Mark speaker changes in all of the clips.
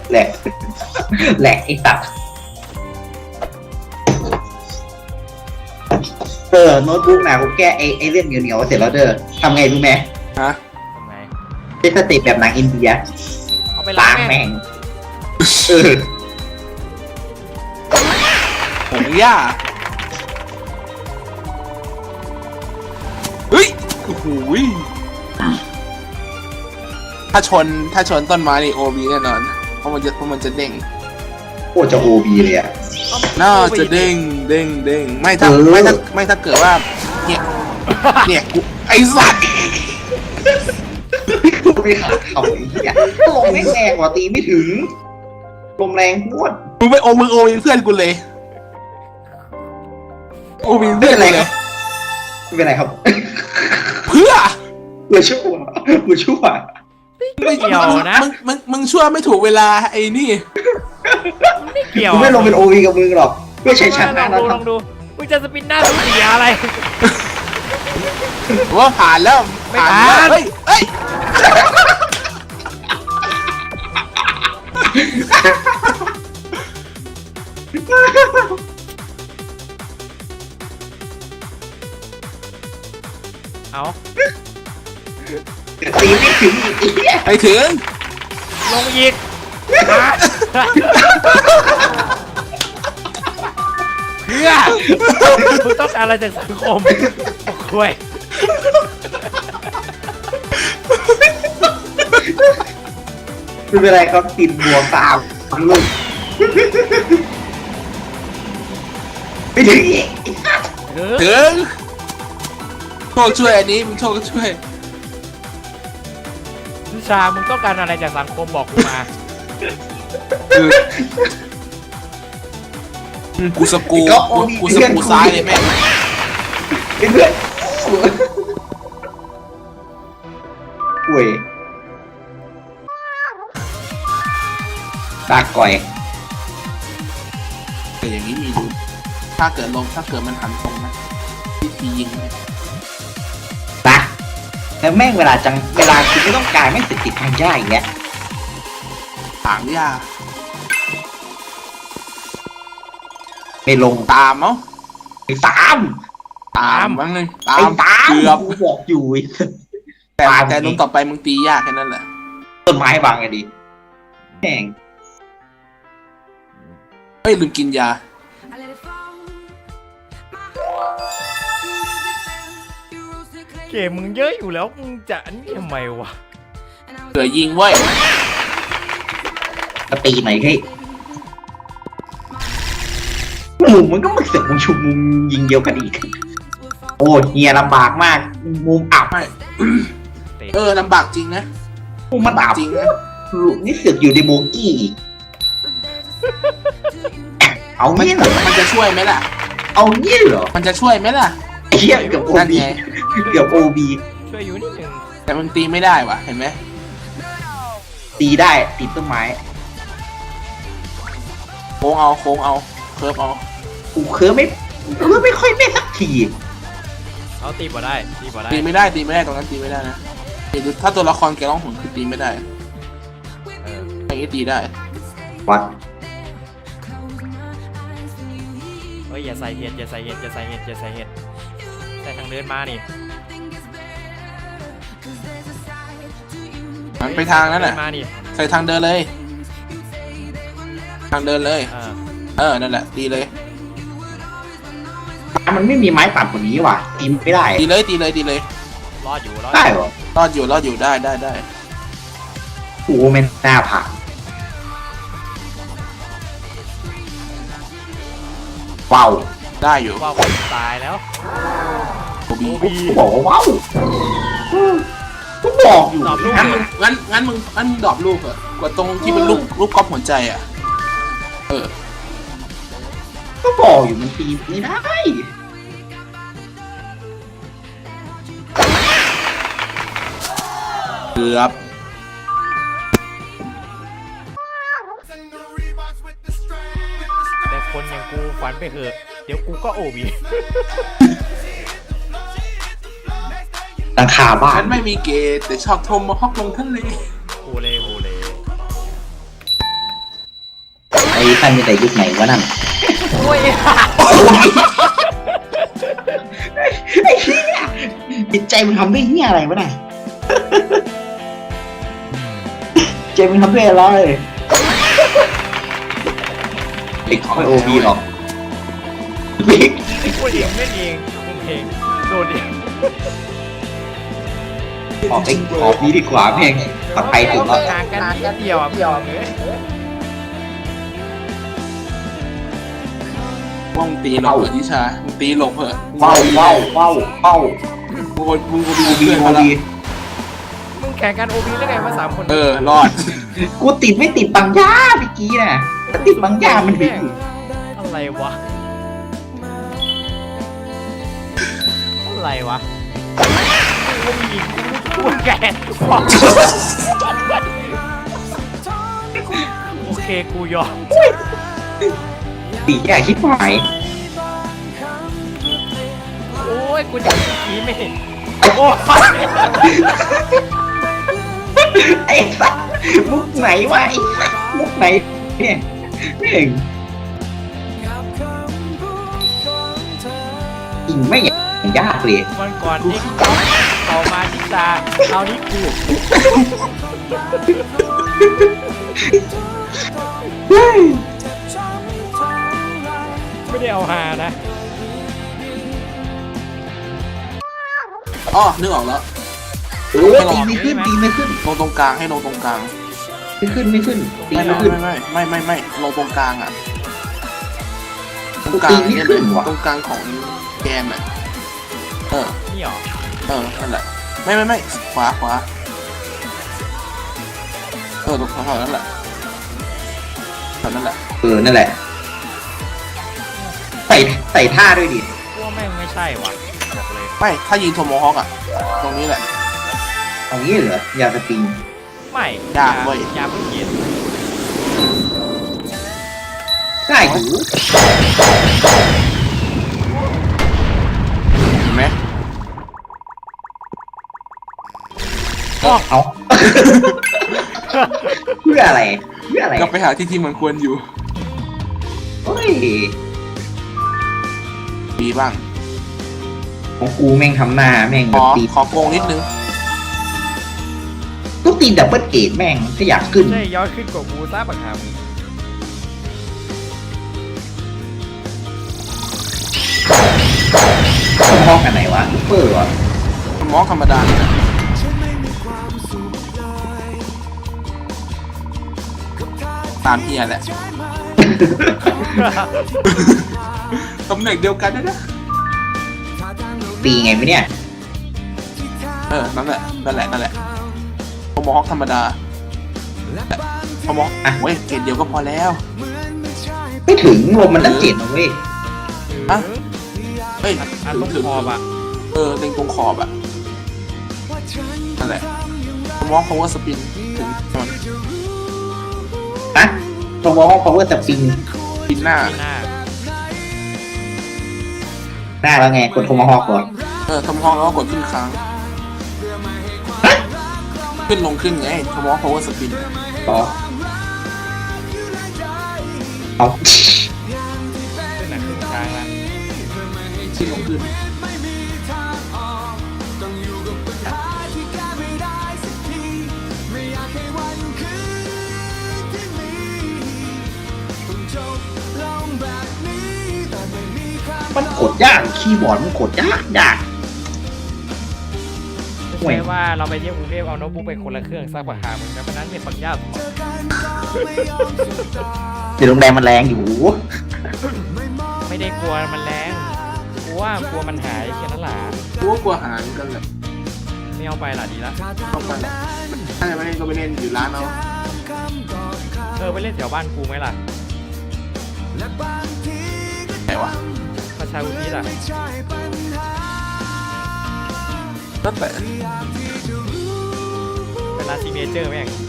Speaker 1: แหลกแหลกไอ้สัตว์โน้ตบุ๊กนะกูแก้ไอ้เรื่องเหนียวๆเสร็จแล้วเด้อทำไงรู้ไหม
Speaker 2: ฮะ
Speaker 3: ทำไง
Speaker 1: เป็นสเต็ปแบบหนังอินเดีย
Speaker 3: เอาไปล้า
Speaker 1: ล้าง ง
Speaker 3: แม่
Speaker 1: แม่
Speaker 3: ง
Speaker 1: งเออ
Speaker 2: ผมย่าเฮ้ยโอ้โหถ้าชนต้นไม้นี่โอบีแน่นอนเพราะมันจะเด้ง
Speaker 1: โคตรจะโอบีเลยอ่ะ
Speaker 2: น่าจะเด้งไม่ถ้า
Speaker 1: เออ
Speaker 2: ไม่ถ้าเกิดว่าเนี่ยกูไอ้สัตว์
Speaker 1: กูไม่ขาดเขาไอ้เหี้ยลมไม่แรงกว่าตีไม่ถึงลมแรงพวด
Speaker 2: มึงโอเป็นเพื่อนกูเลยโอเป็น
Speaker 1: ไม่
Speaker 2: เพื่อ
Speaker 1: เป็น นไร
Speaker 2: เล
Speaker 1: ครั
Speaker 2: ย
Speaker 1: บไม่เป็นไรครับ
Speaker 2: เพื่อ
Speaker 1: กูชั่วกูชั่ว
Speaker 3: ไม่เกี่ยวนะ
Speaker 2: มึงชั่วไม่ถูกเวลาไอ้นี่
Speaker 3: ไม่เกี่ยว
Speaker 1: กูไม่ลงเป็นโอวีกับมึงหรอกเพื่อใช้ชนะ
Speaker 3: ลองดูมึงจะสปินหน้าสูเสียอะไร
Speaker 2: ว่าผ่านแล้ว
Speaker 3: ไม่ผ่าน
Speaker 2: แล้วเฮ้ย
Speaker 3: เอา
Speaker 1: ตีไม่ถึงอีกไอ้เหี้ย
Speaker 2: ไปถึง
Speaker 3: ลงอีกเพื่อมึงต้องการอะไรจากสังคมคุย
Speaker 1: ไม่เป็นไรครับติดบวกตามลูกไม่ถึงอีก
Speaker 2: ถึงโชคช่วยอันนี้มึงโชคก็ช่วย
Speaker 3: นิชามึงต้องการอะไรจากสังคมบอกกูมา
Speaker 2: กูสกูซ้ายเลยแม่ง
Speaker 1: เป็นเพื่อนป่วยตาก่อย
Speaker 2: แต่อย่างนี้มีดูถ้าเกิดมันหันตรงนะวิธียิงไหม
Speaker 1: นะแล้วแม่งเวลาคุณไม่ต้องการไม่งติดทางย่าอย่างเงี้ย
Speaker 2: ถางยา
Speaker 1: ไม่ลง
Speaker 2: ตามเอ้า
Speaker 1: ไปตาม
Speaker 2: มั้งเลย
Speaker 1: ไอ้ตาม
Speaker 2: เกือบ
Speaker 1: กูบอกอยู่ไอ้
Speaker 2: แต่ลงต่อไปมึงตียากแค่นั้นแหละ
Speaker 1: ต้นไม้บางไงดิแม่ง
Speaker 2: เฮ้ยลืมกินยา
Speaker 3: เกมมึงเยอะอยู่แล้วมึงจะอันนี้ทำไมวะ
Speaker 2: เผื่อยิงเว้ย
Speaker 1: ก็ตีไหนให้มุมมันก็มาเสือกมุมชุมมุมยิงเดียวกันอีก โอ้เฮียลำบากมาก มุมอับ
Speaker 2: ไม่ลำบากจริงนะ
Speaker 1: มุมมันอับ
Speaker 2: จริงนะ
Speaker 1: ลูกนี่เสือกอยู่ในโบกี้อีกเอางี้เหรอ
Speaker 2: มันจะช่วยไหมล่ะ
Speaker 1: เอางี้เหรอ
Speaker 2: มันจะช่วยไหมล่ะ
Speaker 1: ไอ้เหี้ยเกือบโอ
Speaker 2: นั่น
Speaker 1: บี
Speaker 2: ไง
Speaker 1: เกือบโอบี
Speaker 3: ช่วยอยู่นิดนึง
Speaker 2: แต่มึงตีไม่ได้วะเห็นไหม
Speaker 1: ตีได้ติดต้นไม้
Speaker 2: โค้งเอาเคิร์ฟเอา
Speaker 1: กูเคยไม่ค่อยแม่นสักที
Speaker 3: เอาตีบ่ได้ตีบ่ได้
Speaker 2: ตีไม่ได้ตรงนั้นตีไม่ได้นะถ้าตัวละครแกร้องหุ่นคือตีไม่ได้
Speaker 3: เออ
Speaker 2: อย่างนี้ตีได้
Speaker 1: วัด
Speaker 3: เฮ้ยอย่าใส่เห็ดอย่าใส่เห็ดอย่าใส่เห็ดอย่าใส่เห็ดใส่ทางเดินมานี่
Speaker 2: มันไปทางนั้นแหละ
Speaker 3: มานี่
Speaker 2: ใส่ทางเดินเลย ทางเดินเลย นั่นแหละตีเลย
Speaker 1: มันไม่มีไม้ตัดกว่านี้ว่ะตีไม่ได้
Speaker 2: ตีเลย
Speaker 3: รอดอยู่รอด
Speaker 1: ได้เหรอ
Speaker 2: รอดอยู่ได้
Speaker 1: กูไม่น่าผ่านว้าว
Speaker 2: ได้อยู่
Speaker 3: ว่าคนตายแล้ว
Speaker 2: โอบี
Speaker 3: โอบี
Speaker 1: กูบอกว่าว้าวกูบอกอยู่
Speaker 3: ตอบลูก
Speaker 2: งั้นมึงดรอปลูกเหอะกว่าตรงที่เป็นลูกก๊อปหัวใจอ่ะเออ
Speaker 1: ก็บอกอยู่มันตีไม่ได้
Speaker 2: เกือบ
Speaker 3: แต่คนอย่างกูฝันไปเถอะเดี๋ยวกูก็โอบี
Speaker 1: หลังคาบ้า
Speaker 2: ฉั
Speaker 1: น
Speaker 2: นไม่มีเกย์แต่ชอบโทมมาฮอกลงทะเล
Speaker 3: ฮูเล่ฮูเล่
Speaker 1: ดีท่านมีแต่ยุคไหนวะนั่น
Speaker 3: โอ้ย
Speaker 1: ไอ้เหี้ยจิตใจมึงทำด้วยเหี้ยอะไรวะน่ะใจมึงทำด้วยอะไรเด็กไม่โอพีหรอกเด็ก
Speaker 3: พูดเองเล่นเองมึงเองโดนเอง
Speaker 1: ออกไปออกนี้ดีกว่าแม่งปลอดภัยสุดแล้ว
Speaker 3: ห่างกันนิดเดียวอ่ะพี่ยอมเลย
Speaker 2: ว่ามึงตีหลบเหรอนิชามึงตีหลบเหรอ
Speaker 1: เป้า
Speaker 2: มึงก็ดู
Speaker 1: โอ
Speaker 2: เพื่อน
Speaker 1: โอ
Speaker 2: เขาละ
Speaker 1: พี
Speaker 3: มึงแข่งกันโอพีได้ไงมา3 คน
Speaker 2: รอด
Speaker 1: กูติดไม่ติดบางย่าเมื่อกี้น่ะถ้าติดบางย่ามันบิด
Speaker 3: อะไรวะอะไรวะกูมีกูแกนโอเคกูยอม
Speaker 1: ตีแย่คิดหมาย
Speaker 3: โอ้ยกูจะกี้ไม่เห็นโอ้
Speaker 1: ไอ้สัสมุกไหนวะไอ้สัสมุกไหนเนี่ยแม่งจริงไม่อย่างยากเลย
Speaker 3: วันก่อนนี่ต่อมาที่ตาเอานี้กูไม่ได้เอาหานะ
Speaker 2: อ๋อนึกออกแล้ว
Speaker 1: โอ้ตีไม่ขึ้นตีไม่ขึ้น
Speaker 2: ลงตรงกลางให้ลงตรงกลาง
Speaker 1: ไม่ขึ้นไม่ขึ้นตี
Speaker 2: ไม่
Speaker 1: ไม่ขึ้น
Speaker 2: ไม่ลงตรงกลางอ่ะตรงก
Speaker 1: ตี
Speaker 2: ลาง
Speaker 1: ไม่ขึ้นว่ะ
Speaker 2: ตรงกลางของแกนอ่ะ
Speaker 3: นี่หรอ
Speaker 2: นั่นแหละไม่ขวาตรงแถวนั้นแหละนั่นแหละ
Speaker 1: นั่นแหละใส่ท่าด้วยดิ
Speaker 3: ว่าแม่งไม่ใช่ว่ะบอกเลย
Speaker 2: ไม่ถ้ายิงโทโมฮอคอ่ะตรงนี้แหละ
Speaker 1: เอางี้เหรอยาสปริง
Speaker 3: ไม่
Speaker 2: ยากเว้ย
Speaker 3: ยาเพิ่งเย็น
Speaker 1: ง่ายอยู่
Speaker 2: เห็นไหม
Speaker 1: เอา เพื่ออะไร
Speaker 2: ก็ไปหาที่มันควรอยู่
Speaker 1: เฮ้ย
Speaker 2: ดีบ้าง
Speaker 1: ของกูแม่งทำหน้าแม่งแบบตี
Speaker 2: ขอโกงนิดนึง
Speaker 1: ก็ตีดับเบิลเกตแม่งถ้าอยากขึ้น
Speaker 3: ใช่ย้อนขึ้นกว่ากูซ่าบักหาม
Speaker 1: ต้องห้องกันไหนวะเปอร์วะ
Speaker 2: โทโมฮอคธรรมดาเนี่ยนะตามเฮียแหละ ตำแหน่งเดียวกันนะ
Speaker 1: ตีไงไหมเนี่ย
Speaker 2: นั่นแหละโทโมฮอคธรรมดาโทโมฮอคเว้ยเกรดเดียวก็พอแล้ว
Speaker 1: ไม่ถึงลมมันตั้ง7นะเว้ย
Speaker 2: อ่ะ เฮ้ย
Speaker 3: อันลงคอบอ่ะ
Speaker 2: เล็งตรงขอบอะนั่นแหละโทโมฮอคพาวเวอร์สปินถึงมัน
Speaker 1: ฮะตรงวอล power สปริง
Speaker 2: ปินหน้า
Speaker 3: ที่หน้า
Speaker 1: หน้าแล้วไงกดโทมาฮอกก่อน
Speaker 2: โทโมฮอคแล้วก็กดขึ้นค้างขึ้นลงขึ้นไงโทโมฮอคพาวเวอร์สปิน
Speaker 1: ต่อเอา
Speaker 3: ขึ้นหนักขึ้นกลางละ
Speaker 2: ขึ้นลงขึ้น
Speaker 1: มันกดยากคีย์บอร์ดมันกดยาก
Speaker 3: ไม่ใช่ว่าเราไปเที่ยวกรุงเทพเอาโน้ตบุ๊กไปคนละเครื่องซักบักหามมึงแต่วันนั้นเนี่ยปัญญาสมอง
Speaker 1: เดี๋ยวโรงแรมมันแรงอยู่
Speaker 3: ไม่ได้กลัวมันแรงกลัวมันหายแค่นั้นแหละ
Speaker 2: กลัวหายกันเลย
Speaker 3: ไม่เอาไปล่ะดีละ
Speaker 2: ต้องไปถ้าจะไม่เล่นก็ไปเล่นอยู่ร้านเอา
Speaker 3: ไปเล่นแถวบ้านกูไหมล่ะ
Speaker 2: ไหนวะ
Speaker 3: ประชาอุทิศอ่ะ
Speaker 2: ตั้งแต่
Speaker 3: เป็นร้านซิกเนเจอร์แม่ง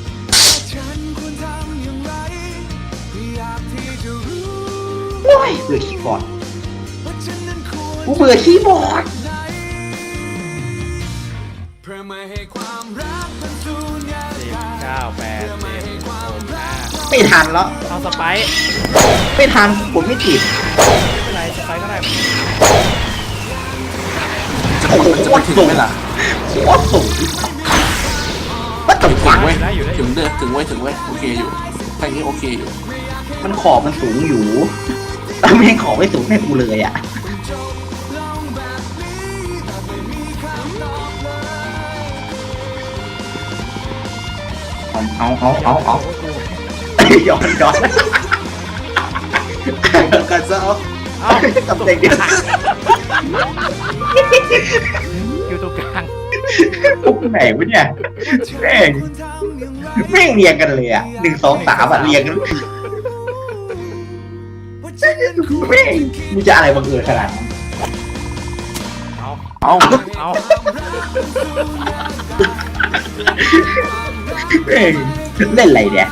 Speaker 1: โอ้ยเบื่อคีย์บอร์ดกูเบื่อคีย์บอร์ด
Speaker 3: 10 9 8 7 6 5
Speaker 1: ไม่ทันแล้ว
Speaker 3: เอาสไปร์
Speaker 1: ไม่ทันผมไม่ติด
Speaker 3: ไม่เป็นไรสไปร์ก็ได้
Speaker 2: จะกดมันจะไปถึงไหมล่ะ
Speaker 1: โคตรสูงว่าตก
Speaker 2: ถึ
Speaker 1: ฟั
Speaker 2: ง
Speaker 1: ง
Speaker 2: เว้ยถึงเด้อถึงเว้ยโอเคอยู่แค่นี้โอเคอยู่
Speaker 1: มันขอบมันสูงอยู่แต่ไม่ให้ขอบไม่สูงให้กูเลยอ่ะเอาย้อนกันซะเอา
Speaker 3: เอา
Speaker 1: ตำแหน่งเดียว
Speaker 3: อยู่ตรงกลาง
Speaker 1: พวกไหนวะเนี่ยแม่งเรียงกันเลยอ่ะ1 2 3อ่ะเรียงกันแม่งมึงจะอะไรบังเอิญขนาดนั้น
Speaker 3: เอา
Speaker 2: เอา
Speaker 3: เอา
Speaker 1: แม่งเล่นอะไรเนี่ย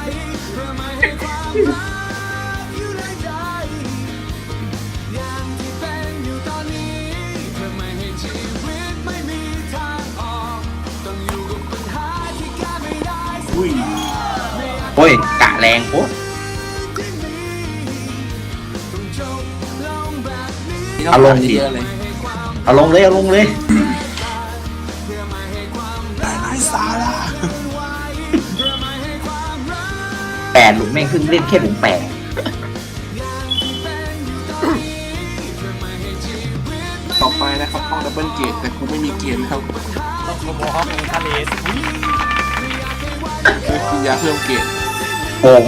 Speaker 2: อุ้ย
Speaker 1: โอ้ยกะแรงโคตร
Speaker 2: นี่ต้องการเยอะเลย
Speaker 1: เอาลงเลย
Speaker 2: ไร้สาระ
Speaker 1: 8 หลุมแม่งเพิ่งเล่นแค่หลุม 8
Speaker 2: ต่อไปนะครับห้องดับเบิลเกตแต่กูไม่มีเกมนะครับ
Speaker 3: ต้องโมโมฮอคทะเล
Speaker 2: คือกินยาเพิ่มเกต
Speaker 1: โกง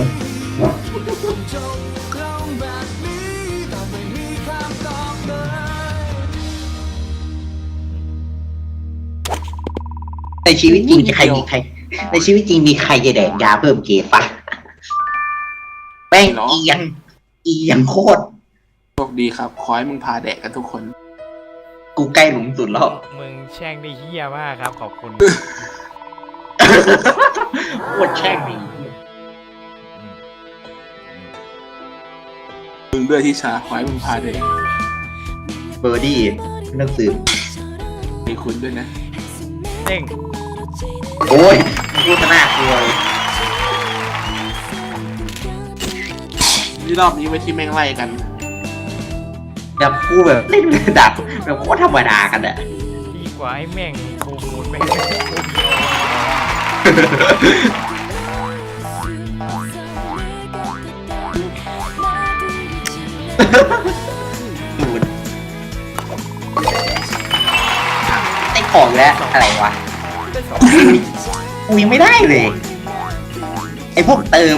Speaker 1: ในชีวิตจริงใครมีใครในชีวิตจริงมีใครจะแดกยาเพิ่มเกฟะแป้งเอียงโคตร
Speaker 2: โชคดีครับขอให้มึงพาแดกกันทุกคน
Speaker 1: กูใกล้หลุมสุดแล้ว
Speaker 3: มึงแช่งได้เฮี้ยมากครับขอบคุณ
Speaker 1: โคตรแช่งดี
Speaker 2: มึงด้วยที่ชาขอให้มึงพาแดก
Speaker 1: เบอร์ดี้หนังสือ
Speaker 2: มีคุณด้วยนะ
Speaker 3: เด้ง
Speaker 1: โอ้ยพูดน่ากลัวเลย
Speaker 2: นี่รอบนี้ไว้ที่แม่งไล่กัน
Speaker 1: อย่าพูดแบบเล่นระดับแบบโคตรธรรมดากันอะ
Speaker 3: ดีกว่าไอ้แม่งโคมูลแม่ง
Speaker 1: ดูดได้ของแล้วอะไรวะ
Speaker 3: ได้สอง
Speaker 1: กูยังไม่ได้เลย ไอพวกเติม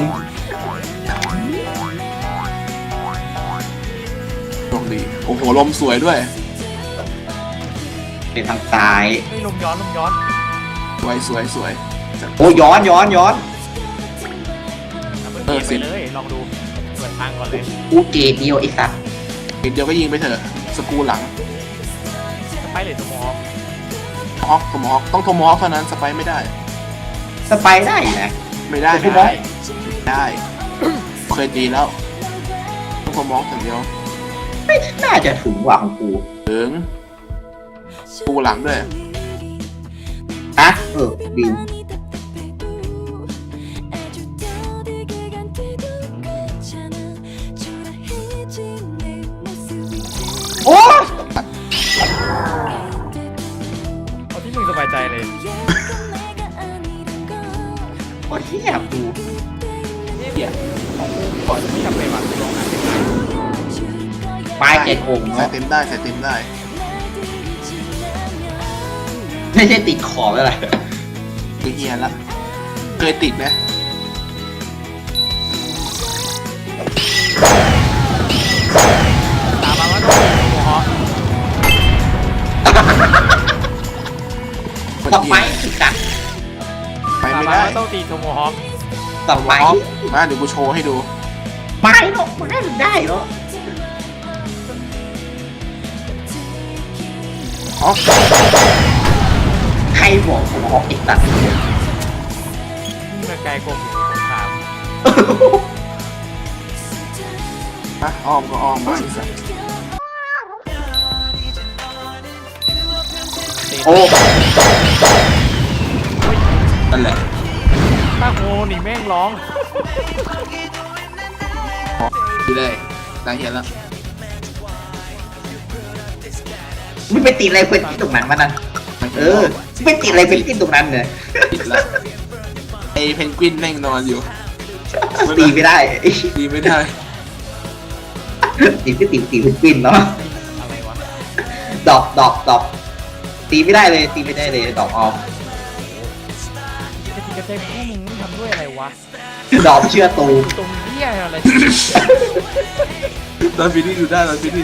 Speaker 2: โชคดีโอ้โหลมสวยด้วย
Speaker 1: เป็นทางซ้าย
Speaker 3: ไม่ลมย้อน
Speaker 2: สวย
Speaker 1: โอ้ย้อน
Speaker 3: เปิดเกมไปเลยลองดูเปิดทางก่อนเลย
Speaker 1: กูเกมเดียวไอ้สัส
Speaker 2: อีกเดียวก็ยิงไปเถอะสกรูหลัง
Speaker 3: สไปร์หรือตัวมอฟ
Speaker 2: โทมฮอคต้องโทมฮอคเท่านั้นสไปไม่ได้
Speaker 1: สไปได้นะ
Speaker 2: ไม่ได้
Speaker 1: โทมฮอค
Speaker 2: ได้ เคยตีแล้วต้องโทมฮอคอย่างเดียว
Speaker 1: ไม่น่าจะถึงว่ะของกู
Speaker 2: ถึงสกรูหลังด้วย
Speaker 1: อะบิวโอ้
Speaker 3: เอาที่มึงสบายใจเลย
Speaker 1: โอ้ยเหี้ยกู
Speaker 3: เดี๋ยวก่อนไม่จำเป็นว่ะลองอ่าน
Speaker 1: ปลายเจ็ดองค์
Speaker 2: ใส่
Speaker 1: เนาะ
Speaker 2: เต็มได้ใส่เต็มได้
Speaker 1: ไม่ใช่ติดขอบอะไร
Speaker 2: คือเฮียละเคยติดไหม
Speaker 3: ตามมาว่าต้องมีตัวมอฟ
Speaker 1: ต่อไปสิกัด
Speaker 2: ไป
Speaker 3: ตาม
Speaker 2: ไม่
Speaker 3: มา
Speaker 2: ได้
Speaker 3: ว่าต้องตีโทโมฮอค
Speaker 1: ต่อไป
Speaker 2: ฮอคมาเดี๋ยวกูโชว์ให้ดู
Speaker 1: ไม่หรอกมันได้หรอก
Speaker 2: ฮอค
Speaker 1: ใครบอกผมออกอีกตัด
Speaker 3: มึงมาไกลกว่าผมสงคราม
Speaker 2: มาอ้อมก็อ้อมมาอีกสัก
Speaker 1: โอ้
Speaker 2: นั่นแหละ
Speaker 3: ตั้งโมนี่แม่งร้อง
Speaker 2: ดีเลยได้เห็นแล้ว
Speaker 1: ไม่ไปติดอะไรเป็นที่ตรงนั้นมันนั่นไม่ติดอะไรเป็นที่ตรงนั้นเลย
Speaker 2: ติดละไอเพนกวินแม่งนอนอยู่
Speaker 1: ตีไม่ได้
Speaker 2: ตีไม่ได้
Speaker 1: ตีไม่ติดตีเป็นปิ้นเนาะ
Speaker 3: อะไรวะ
Speaker 1: ดอกตีไม่ได้เลยตีไม่ได้เลยดอกออม
Speaker 3: จะติดกระเตงพวกมึงทำด้วยอะไรวะ
Speaker 1: ดอกเชื่อตู
Speaker 3: ตรงเหี้ยอะไร
Speaker 2: ตอนฟินี่ดูได้ตอนฟินี่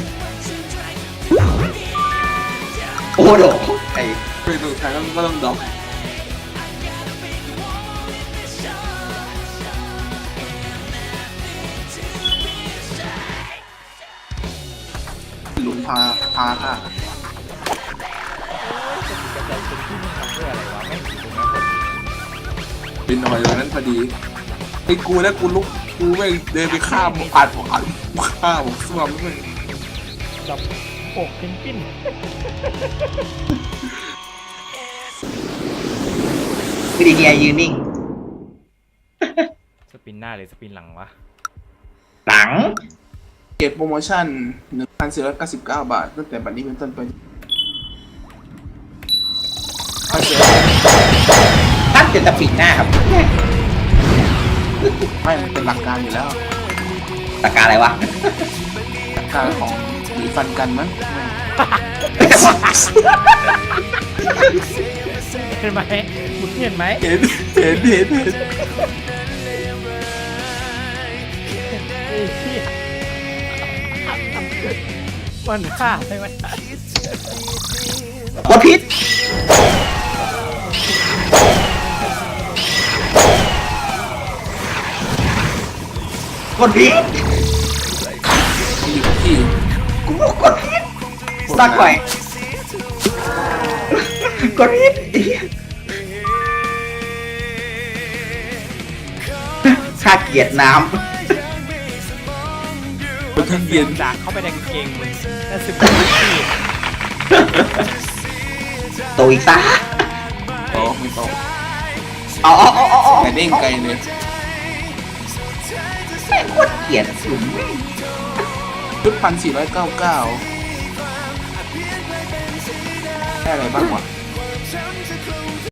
Speaker 1: โอ้โหไอ้
Speaker 2: เป็นตรงกลางก็ต้องดอกหลุมพาค่ะ
Speaker 3: จะติดกระเตงเป็นที่มึงทำด้วยอะไรวะแม่งอยู่ตรงนั้นพอดี
Speaker 2: เป็นหน่อยตรงนั้นพอดีไอ้กูนะกูลุกกูไม่เดินไปข้ามอ่านข้ามซ่วมเลย
Speaker 3: แบบอกเป็นปิ้น
Speaker 1: วิดีเนียยืนนิ่ง
Speaker 3: สปินหน้าหรือสปินหลังวะ
Speaker 1: หลัง
Speaker 2: เก็บโปรโมชั่น 1,499 บาทตั้งแต่บัดนี้เป็นต้นไปถ้าเจอ
Speaker 1: ตั้งจะปิดหน้าครับ
Speaker 2: ไม่มันเป็นหลักการอยู่แล้ว
Speaker 1: ตะการอะไรวะ
Speaker 2: หลักการของหนีฟันกันมั้ง
Speaker 3: เห็นไหมมึงเห็นไหม
Speaker 2: เห็น
Speaker 3: ไอ้เหี้ยมันฆ่าใช่ไหม
Speaker 1: กดพิษกดพิษ
Speaker 2: อยู่ที่
Speaker 1: กูบอกกดพิษสักหน่อยกดพิษข้าเกลียดน้
Speaker 2: บนทั้งเย็น
Speaker 3: จากเข้าไปในกางเกงมึงแล้วสึกว่าที่
Speaker 1: ำโตอีกซะ
Speaker 2: โตไม่โต
Speaker 1: อ๋อ
Speaker 2: แต่เด้งไกลเลย
Speaker 1: แม่งโคตรเกลียดหลุม
Speaker 2: ชุด1,499ได้อะไรบ้างวะ